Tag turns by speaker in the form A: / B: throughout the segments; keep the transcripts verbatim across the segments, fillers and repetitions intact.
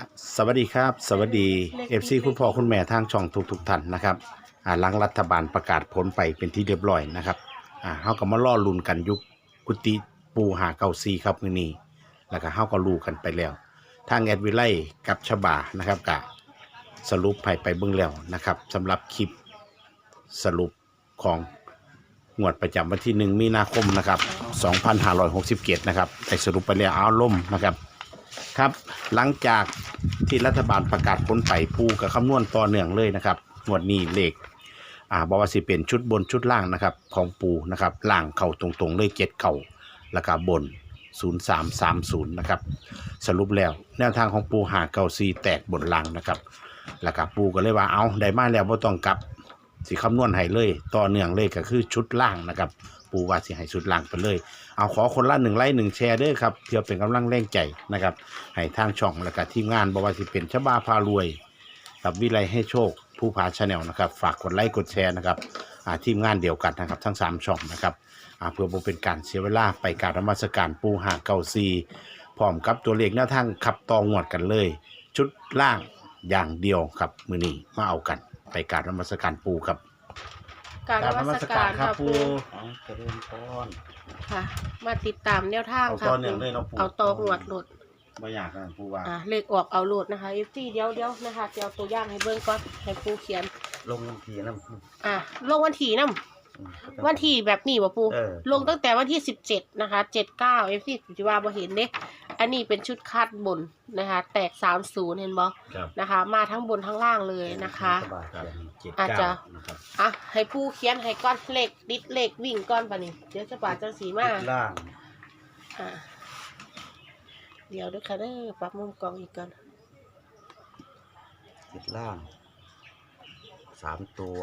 A: สวัสดีครับสวัสดี เอฟ ซี คุณพ่อคุณแม่ทางช่องทุกทุกท่านนะครับอ่าหลังรัฐบาลประกาศผลไปเป็นที่เรียบร้อยนะครับอ่าเฮาก็มาล่อลุ้นกันยุคกุฏิปูหาเก้าซีครับมื้อนี้แล้วก็เฮาก็รู้กันไปแล้วทางแอดวิไลกับฉบานะครับกะสรุปให้ไปเบิ่งแล้วนะครับสำหรับคลิปสรุปของงวดประจำวันที่หนึ่งมีนาคมนะครับสองพันห้าร้อยหกสิบเจ็ดนะครับได้สรุปไปแล้วเอาล่มนะครับครับหลังจากที่รัฐบาลประกาศผลไปปูกับคำนวณต่อเนื่องเลยนะครับงวดนี้เลขอ่าบอกว่าสิเป็นชุดบนชุดล่างนะครับของปูนะครับล่างเข่าตรงๆเลยเจ็ดเข่าแล้วก็บนศูนย์สามสามศูนย์นะครับสรุปแล้วแนวทางของปูหาเก้าซีแตกบนล่างนะครับแล้วก็ปูก็เลยว่าเอาได้มาแล้วบ่ต้องกลับสิคำนวณให้เลยต่อเนื่องเลยก็คือชุดล่างนะครับปูว่าสิให้ชุดล่างไปเลยเอาขอคนละหนึ่งไลค์หนึ่งแชร์ด้วยครับเพื่อเป็นกำลังแรงใจนะครับให้ทางช่องและก็ทีมงานบอกว่าสิเป็นชบาพารวยกับวิไลให้โชคผู้พาชาแนลนะครับฝากกดไลค์กดแชร์นะครับทีมงานเดียวกันนะครับทั้งสามช่องนะครับเพื่อบ่เป็นการเสียเวลาไปการนมัสการปูหาเก้าซีพร้อมกับตัวเลขแนวทางขับตองวดกันเลยชุดล่างอย่างเดียวครับมือนี้มาเอากันไปการนมัสการปูครับ
B: การนมัสการค่ะปู
A: เอาเจริญพร
B: ค่ะ มาติดตามแนวทาง
A: เอา
B: ค่ะ
A: ต่อเนื่องเลยเนาะปู
B: เอาต่อหวดหลุด
A: ไม่อยากนะปูว่า
B: อ่าเลขออกเอาหลุดนะคะเอฟซีเดียวเดียวนะคะเดี๋ยวตัวอย่างให้เบิ่งก่อนให้ปูเขียน
C: ลงวันทีน้
B: อ่าลงวันที่นํ
C: ำ
B: วันที่แบบนี้บ่ปู
C: เออ
B: ลงตั้งแต่วันที่สิบเจ็ดนะคะเจ็ดเก้าเอฟซีสิว่าบ่เห็นเด้อันนี้เป็นชุดคาดบนนะคะ แตกสามศูนย์เห็นบ่
A: ครับ
B: นะคะ มาทั้งบนทั้งล่างเลยนะคะ
C: สบาย
A: ครับ
C: เขียน
A: เจ็ด
B: อาจจะ
A: เก้านะครับ
B: อ่ะให้ปูเขียนให้ก้อนเลขดิดเลขวิ่งก้อนปะนี่เดี๋ยวจะปาดจังสีมา
C: ติดล่าง
B: อ่าเดี๋ยวด้วยค่ะเด้อปรับมุมกล้องอีกก่อน
C: ติดล่างสามตัว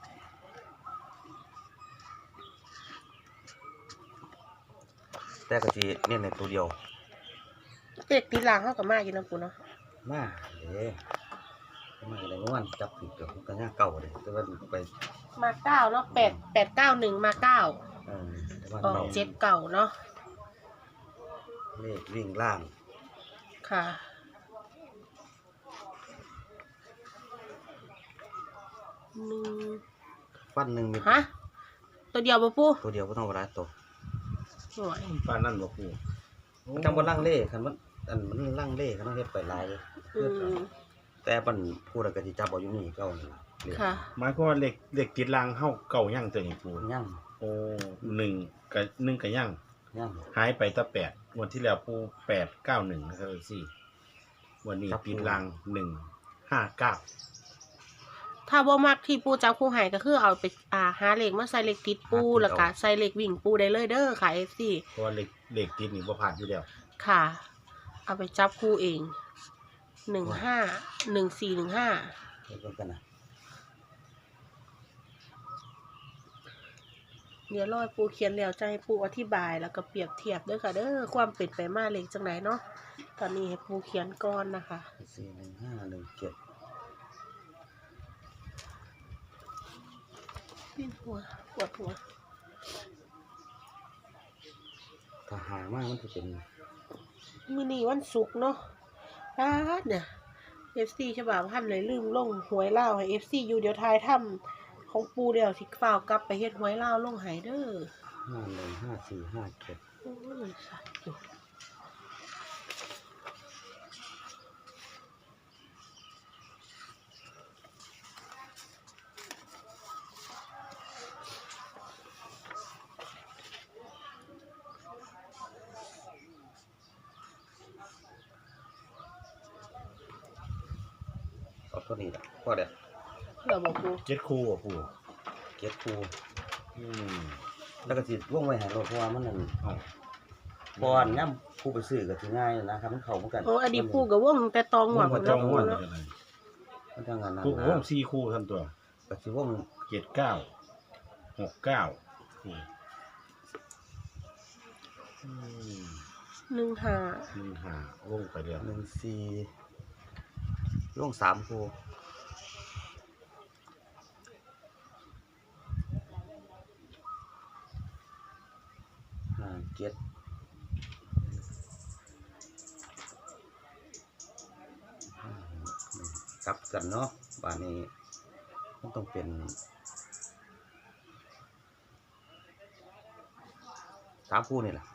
C: แต่กะทิเนี่ยในตัวเดียว
B: เด็กตีหลังเข้ากับมาอยู่นะปูเนาะ
C: มาเด้มาอะไรเมื่อวานจับผิดกับกันย่าเก่าเลยแต่ว่าไป
B: มาเก้าเนาะแปดแปดเก้าหนึ่งมาเก้า
C: เออแต่ว่า
B: ออก
C: เรา
B: เจ็ดเก่าเนาะ
C: เลขวิ่งล่าง
B: ค่ะหนึ่ง
C: ฟันหนึ่งมี
B: ฮะตัวเดียวปะปู
C: ตัวเดียวก็ต้องเวลาตัว
B: หน่วย
A: ปานนั่นบ่ปู
C: มันจำว่าล่างเล่คันมันอันมันล่างเล่คันต้องเฮ็ดไปลายเลย
B: อืม
C: แต่มันพูดอะไรกะทิจับเอาอยู่นี่เก่านี่ล่ะเลข
B: ค่ะ
A: หมายความว่าเลขเลขติดรางเฮาเก่ายั่งตัวนี้ปู
C: ย่าง
A: โอ้หนึ่งกับหนึ่งกับยั่ง
C: ย่าง
A: หายไปแตะแปดงวันที่แล้วปูแปดเก้าหนึ่งนะครับสี่วันนี้ติดรางหนึ่งห้าเก้า
B: ถ้าบ่มักที่ปูจับคู่ใหายก็คือเอาไปอ่าหาเลขมาใส่เลขติดปูแล้วก็ใส่เลขวิ่งปูได้เลยเด้อค่ะเอฟซี
A: เพราะว่าเลขเลขติดนี่บ่ผ่านอยู่แล้ว
B: ค่ะ เอาไปจับคู่เอง หนึ่งห้า หนึ่งสี่ หนึ่งห้า
C: เฮ็ดเบิ่งกันนะ
B: เดี๋ยวรอยปูเขียนแล้วจะให้ปูอธิบายแล้วก็เปรียบเทียบด้วยค่ะเด้อความเป็นไปมาเลขจังไหนเนาะ ตอนนี้ให้ปูเขียนก่อนนะคะ
C: สี่หนึ่งห้าหนึ่งเจ็ด
B: ปิ้นหัวปวดหัว
C: ถ้าหามากมันจะเป็น
B: มินี่วันศุกร์เนาะป้าดเนี่ยเอฟซีฉบับพันเลยลืมลงหวยเล่าให้เอฟซีอยู่เดี๋ยวทายถ้ำของปูเดียวสิฝ้าวกลับไปเฮ็ดหวยเล่าลงใหายเด้อ
C: ห้าหนึ่งห้าสี่ห้าเจ็ด
B: โอ้ยสัตว์อยู่
C: เอาเท่านี้แหละพอเด็ด
B: เดี๋ยวบอกปู
A: เจ็ดคู่อ่ะปู
C: เจ็ดคู
A: อืม
C: แล้วก็สิว่องไว้หายรถเพราะว่ามันนั่น
A: เอ้า
C: บอนย่ำผู้ไปซื้อก็สิง่ายนะครับมันเข้าเหมือนกัน
B: โอ้อดีตปูกับว่องแต่ตองหวัง
A: ว่า
B: แล้
A: จ้
B: ว
A: อง
B: ปู
A: ม่วน
B: เนาะ
A: จังได๋
C: มันทางงานนั้น
A: ปู
C: นะ
A: ว่องสี่คู่ทำตัว
C: ก็สิว่อง
A: เจ็ดเก้าหกเก้าอืมอืม
B: หนึ่งห้า
A: หนึ่งห้าวงไปเดียว
C: หนึ่งสี่ว่องสามคูห้าเจ็ดกลับกันเนาะบ้านนี้มันต้องเป็นสามคู่นี่แหละ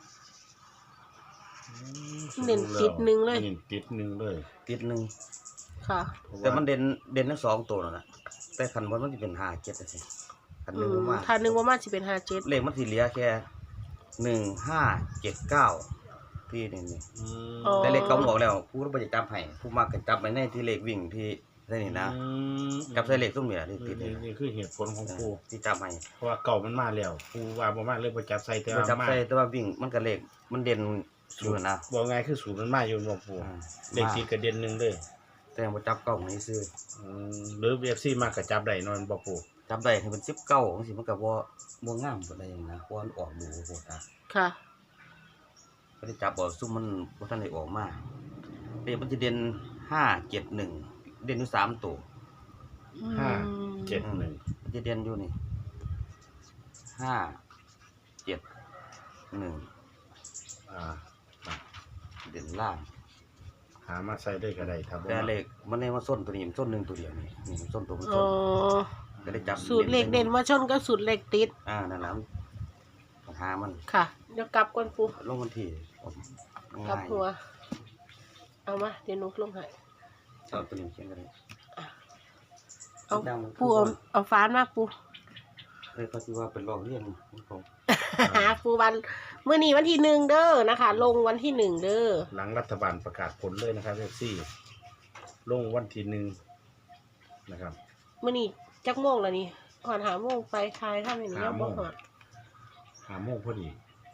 B: เด่นติดหนึ่งเลย
A: เด่นติดหนึ่งเลย
C: ติดหนึ่ง
B: ค่ะ
C: แต่มันเด่นเด่นทั้งสองตัวนั่นแหละแต่คันบนมันจะเป็นห้าเจ็ดสิคันห
B: อื
C: นึ่ง
B: ม
C: ประมาณ
B: ทานหนึ่งประมาณสิเป็นห้าเจ็ด
C: เลขมันสิเหลือแค่หนึ่งห้าเจ็ดเก้าที่นี่นี่
A: อืม
B: อ๋อ
C: แต่เลขเก่าบอกแล้วผู้รับประจับให้ผู้มากกันจับไปในที่เลขวิ่งที่ได้นี่นะ
A: อืม
C: จับใส่เลขส้มเหนือที่ติด
A: นี่
C: นี่
A: นี่คือเหตุผลของปู
C: ที่จับให้
A: เพราะว่าเก่ามันมาแล้วปูว่าบ่มาเลยบ่จับใส่แต่
C: มัน
A: ว่า
C: จับ
A: มา
C: ใส่แต่ว่าวิ่งมันก็เลขมันเด่นอยู่นะ
A: บอกไงคือศูนย์มันมาอยู่บ่ปู
C: อ่า
A: เลขติดกระเด็นหนึ่งเลย
C: แต่ว่าจับเก้าในซื้อ
A: อืมหรือ เอฟ ซี มากกับจับได้นอนบ่ปู
C: จับได้ให้เป็นสิบเก้าของสิมันก็บ่บ่งามปานใดนะเพราะมันออกดูโหดนะ
B: ค่ะ
C: ก็ได้จับบ่ซุ่มมันบ่ทันได้ออกมาเลขมันจะเด่นห้าเจ็ดหนึ่งเด่นอยู่สามตัว
A: ห้าเจ็ดหนึ่ง
C: มันจะเด่นอยู่นี่ห้าเจ็ดหนึ่ง
A: อ่า
C: เด่นล่าง
A: หามาใส่ได้ก็ได้ถ้าบ่
C: แต่
A: มา
C: เลขมันได้มาส้นตัวนี้มันส้นหนึ่งตัวเดียวนี่นี่มันส้นตัวมัน
B: อ๋
C: ส้
B: อน
C: ก็ได้จับ
B: สูตรเลขเด่นมาชนกับสูตรเลขติด
C: อ่านั่นแหละปัญหามัน
B: ค่ะ เดี๋ยวกลับก่อนปู
C: ลงวันที่
B: กลับ
C: ง่าย
B: หัว เอามา เดี๋ยวหนุกลงให้
C: เอาตัวนี้เขียนกันเลย
B: เอาปูเอาเอาฟ้านมาปู
C: เคยเขาคิดว่าเป็นรองเรียนของผม
B: ปูวันเมื่อนี้วันที่หนึ่งเด้อนะคะ ลงวันที่หนึ่งเด้อ
A: หลังรัฐบาลประกาศผลเลยนะครับ เอฟ ซี ลงวันที่หนึ่งนะครับ
B: เมื่อนี้จักโมงแล้วนี่หอนหาโมงไปทายถ้าไม่มียังบ่หอด
A: หาโมงพอดี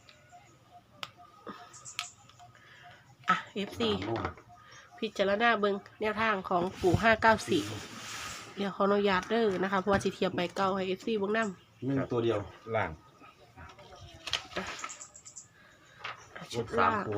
B: อ่ะ เอฟ ซี
C: อ่าโม่ง
B: พิจารณาเบิ่งแนวทางของปู่ห้าเก้าสี่เดี๋ยวขออนุญาตเด้อนะคะ เพราะว่าสิเทียบไปเก่าให้ เอฟ ซีเบิ่งนำ
C: หนึ่งตัวเดียว
A: ล่าง
B: ชุด
C: สา
B: ล่าม ง
C: ตัว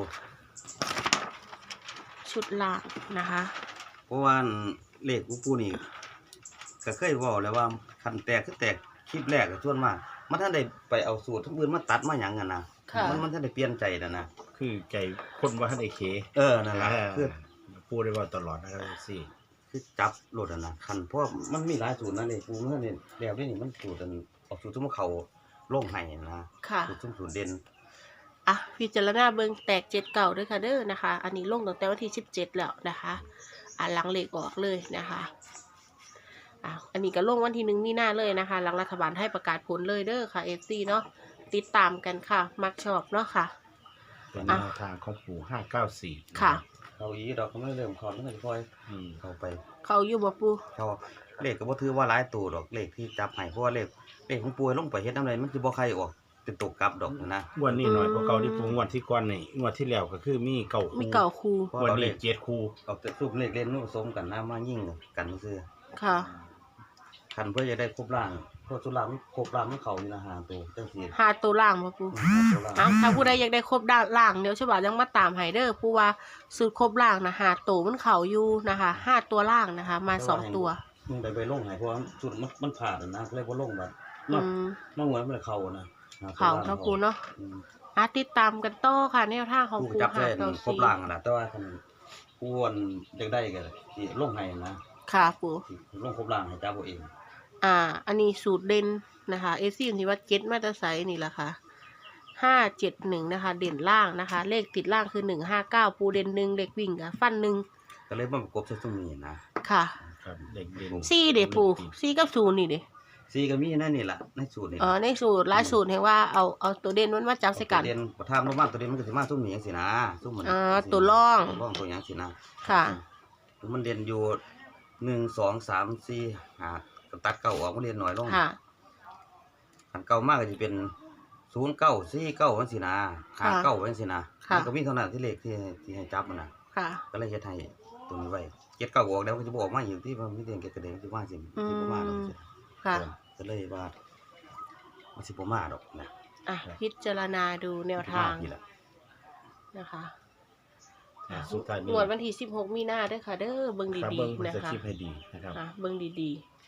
B: ชุดล่างนะคะ
C: เพราะว่าเลขกูปูนี่ก็เคยบอกแล้วว่าคันแตกคือแตกคลิปแรกกับส่วนมากมันท่านได้ไปเอาสูตรทั้งอื่นมาตัดมาหยังกันนะ
B: ค่ะ
C: มันมันท่านได้เปลี่ยนใจนะนะ
A: คือใจคนว่าท่านไอเค
C: เออนั่นแหละ
A: อ่า
C: คือ
A: พูดได้ว่าตลอดนะครับ เอฟ ซี
C: คือจับโหลดอะนะคันเพราะว่ามันมีหลายสูตรนะเลยกูเมื่อเนี่ยแล้วนี่มันสูตรอันออกสูตรทุ่มเขาโล่งไห้นะ
B: ค่ะ
C: สูตรทุ่มสูตรเด่น
B: อ่ะพิจารณาเบิ่งแตกเจ็ดเก่าด้วยค่ะเด้อนะคะ อันนี้ลงตั้งแต่วันที่สิบเจ็ดแล้วนะคะ อ่ะหลังเลขออกเลยนะคะอ่ะอันนี้ก็ลงวันที่หนึ่งมีนาเลยนะคะ หลังรัฐบาลให้ประกาศผลเลยเด้อค่ะ เอฟ ซี เนาะติดตามกันค่ะ มักชอบเนาะค่ะ
A: เป็นแนวทางของปู่ห้าเก้าสี่
B: ค่ะ
C: เขาอีดอกก็ไม่เริ่มคอนไม่ค่อย
A: อืม
C: เข้าไป
B: เขาอยู่บ่ปู
C: เขาเลขก็บ่ถือว่าหลายตัวดอกเลขที่จับให้เพราะว่าเลขเลขของป่วยลงไปเฮ็ดน้ำไรมันสิบ่ใครออกเป็นตกกลับดอกนะ
A: งวดนี้หน่อยกว่าเก่าที่ปูงวดที่ก่อนนี่งวดที่แล้วก็คือมีเก่า
B: มี
A: คู่
B: เก่าคู
C: เพราะ
A: งวด
C: เราเล
A: นี้
C: ข
A: เจ็ดคู่
C: เอาแต่รูปเลขเล่นนู่นผสมกันนะมายิ่งกันซื่อ
B: ค่ะ
C: คันเพื่อจะได้ครบร่างเพราะสุรางมันครบร่างมันเข้าอยู่นะหาตัวจังซี่
B: หาตัวล่างบ่ปู
C: ตัวร่าง
B: เอาถ้าผู้ใดอยากได้ครบด้านล่างเดี๋ยวฉบับยังมาตามไฮเดอร์ผู้ว่าสูตรครบล่างนะหาตัวมันเขาอยู่นะคะห้าตัวล่างนะคะ มาสองตัว
C: มึงไปไปลงให้เพราะว่าสุดมันมันผ่านนะเลยบ่ลงแบบ
B: อื
C: เนาะ
B: ม
C: มันเหมือนมันเข้านะหตัว
B: เขา
C: ร่ง
B: เนาะปูเนาะ
C: อืม
B: อ่ะติดตามกันต่อค่ะแนวทางของ
C: ผู้
B: ปู
C: จับ
B: หา
C: ได้
B: เก้า
C: ครบ
B: สี่
C: ร่างอะนะแต่ว่าคันผู้วนอยากได้ก็สิลงให้นะ
B: ค่ะปู
C: สิลงครบร่างให้จับเอาเอง
B: อ่า อันนี้สูตรเด่นนะคะเอซี่ที่ว่าเจ็ดมาตรไซนี่แหละค่ะห้าเจ็ดหนึ่งนะคะ เด่นล่างนะคะ เลขติดล่างคือหนึ่งห้าเก้าปูเด่นหนึ่งเลขวิ่งกับฟันหนึ่ง
C: ก็เลยมาประกบใส่ตรงนี้นะ
B: ค่ะ
A: ครับเด็กเด่น
B: ซี่เด็ปูซี่กับศูนย์นี่เด็
C: ซีก็มีนั่นนี่ล่ะในสูตรนี่
B: เออในสูตรหลายสูตรเห็นว่าเอาเอาตัวเด่นมันมาจับใส่กัน
C: ตัวเด่นบ่ทามลงมาตัวเด่นมันก็สิมาซุ่มนี้จังซี่นะซุ่มมัน
B: อ่าตัวร่อง
C: ตัวร่องตัวหยังสินะ
B: ค่ะ
C: มันเด่นอยู่หนึ่ง สอง สาม สี่ ห้าก็ตัดเก้าออกมันเด่นน้อยลง
B: ค่ะ
C: อันเก่ามากก็จะเป็นศูนย์เก้าสี่เก้าวันสินะ
B: ค่ะ
C: หาเก้าวันสินะ
B: ค่ะ
C: มันก็มีเท่านั้นที่เลขที่ที่ให้จับมันนะ
B: ค่ะ
C: ก็เลยเฮ็ดให้ตัวนี้ไว้เก็ดเก้าออกแล้วก็จะบออกมาอยู่ที่มันมีเตียงเก็ดกระเด็นที่ว่าสิ
B: อื
C: ที่
B: ม
C: ประมาณนั้นสิ
B: ค่ะ
C: ก็เลยว่ามันสิบ่มาดอกนะ
B: อ่ะ พิจารณาดูแนวทาง
C: นี่แหละ
B: นะคะ
A: อ่าสุดท้ายนี้
B: งวดวันที่สิบหกมีนาเด้อค่ะ เด้อเบิ่ง
A: ครับ
B: ดี
A: เบิ้ง
B: ๆ
A: มัน
B: นะ
A: จะ
B: คะ
A: คลิปให้ดีนะครับ
B: อ่ะเบิ่งดี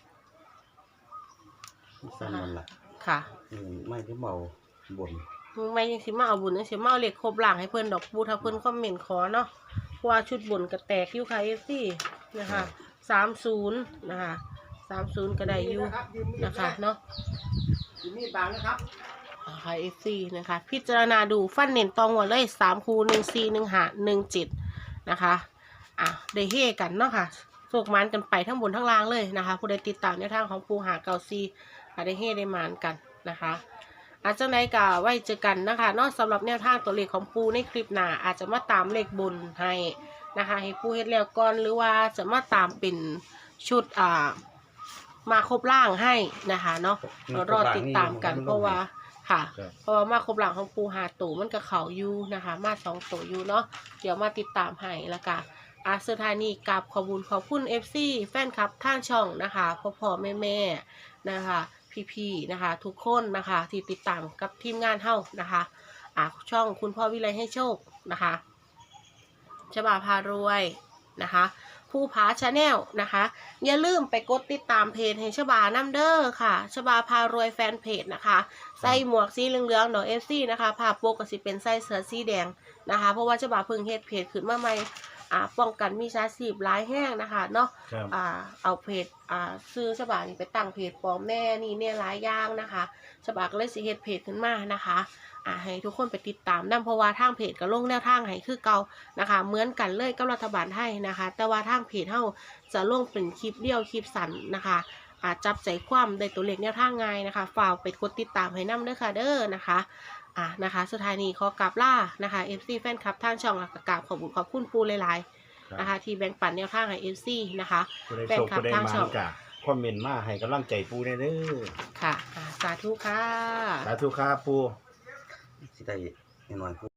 C: สั้นนั่นล่ะ
B: ๆ ค่ะ
C: อืมไม่ได้เมาบน
B: มึงไม่ยังสิมาเอาบุญยังสิมาเอาเหล็กครบหลังให้เพิ่นดอกบูถ้าเพิ่นคอมเมนต์ขอเนาะเพราะว่าชุดบุญก็แตกอยู่ค่ะเอฟซีนะคะสามศูนย์นะคะสามศูนย์ก็ได้อยู่นะคะเนาะ
A: มีบางนะครับ
B: นะคะเอฟซีนะคะพิจารณาดูฟันเน้นตองหัวเลยสามคูหนึ่งสี่หนึ่งหาหนึ่งเจ็ดนะคะอ่ะได้เฮกันเนาะค่ะโศกมันกันไปทั้งบนทั้งล่างเลยนะคะผู้ใดติดตามแนวทางของปูหาเกาซีได้เฮได้มานกันนะคะอาจจะไหนกะไว้เจอกันนะคะนอกสำหรับแนวทางตัวเลขของปูในคลิปหน้าอาจจะมาตามเลขบนให้นะคะให้ปูเฮ็ดแล้วก่อนหรือว่าจะมาตามเป็นชุดอ่ามาครบล่างให้นะคะเนาะเรารอติดตามกันเพราะว่าค่ะเพราะว่ามาครบหลังของปูหาตู่มันกับเขาอยู่นะคะมาสองตัวอยู่เนาะเดี๋ยวมาติดตามให้แล้วกันอาสุดท้ายนี้กราบขอบคุณขอบคุณ เอฟ ซี แฟนคลับทางช่องนะคะพ่อพ่อแม่แม่นะคะพี่ๆนะคะทุกคนนะคะที่ติดตามกับทีมงานเฮานะคะอ่าช่องคุณพ่อวิไลให้โชคนะคะฉบาพารวยนะคะผู้ผาชาแนลนะคะอย่าลืมไปกดติดตามเพจให้ฉบาน้ำเด้อค่ะฉบาพารวยแฟนเพจนะคะใส่หมวกสีเหลืองๆหน่อยเอฟซีนะคะภาพปกก็สิเป็นใส่เสื้อสีแดงนะคะเพราะว่าฉบาเพิ่งเฮ็ดเพจขึ้นมาใหม่อ่าป้องกันมีชาชีพร้ายแห้งนะคะเนาะอ่าเอาเพจอ่าซื้อฉบานี่ไปตั้งเพจปลอมแน่นี่เนี่ยหลายอย่างนะคะฉบาก็เลยสิเฮ็ดเพจขึ้นมานะคะอ่าให้ทุกคนไปติดตามนำเพราะว่าทางเพจก็ลงแนวทางให้คือเก่านะคะเหมือนกันเลยกับรัฐบาลไทยนะคะแต่ว่าทางเพจเฮาจะลงเป็นคลิปเดียวคลิปสั้นนะคะอาจับใจความได้ตัวเลขแนวทางง่ายนะคะฝากไปกดติดตามให้นำเด้อค่ะเด้อนะคะอ่ะนะคะสุดท้ายนี้ขอกราบล่านะคะ เอฟ ซี แฟนคลับทางช่องและกราบขอบคุณขอบคุณปูหลายๆนะคะที่แบ่งปันแนวทางให้ เอฟ ซี นะคะแฟนคลับทางช่อง
A: คอมเมนต์มาให้กำลังใจปูได้เด้อ
B: ค่ะอ่าสาธุค่ะ
A: สาธุครับปู
C: สิได้น้อยๆ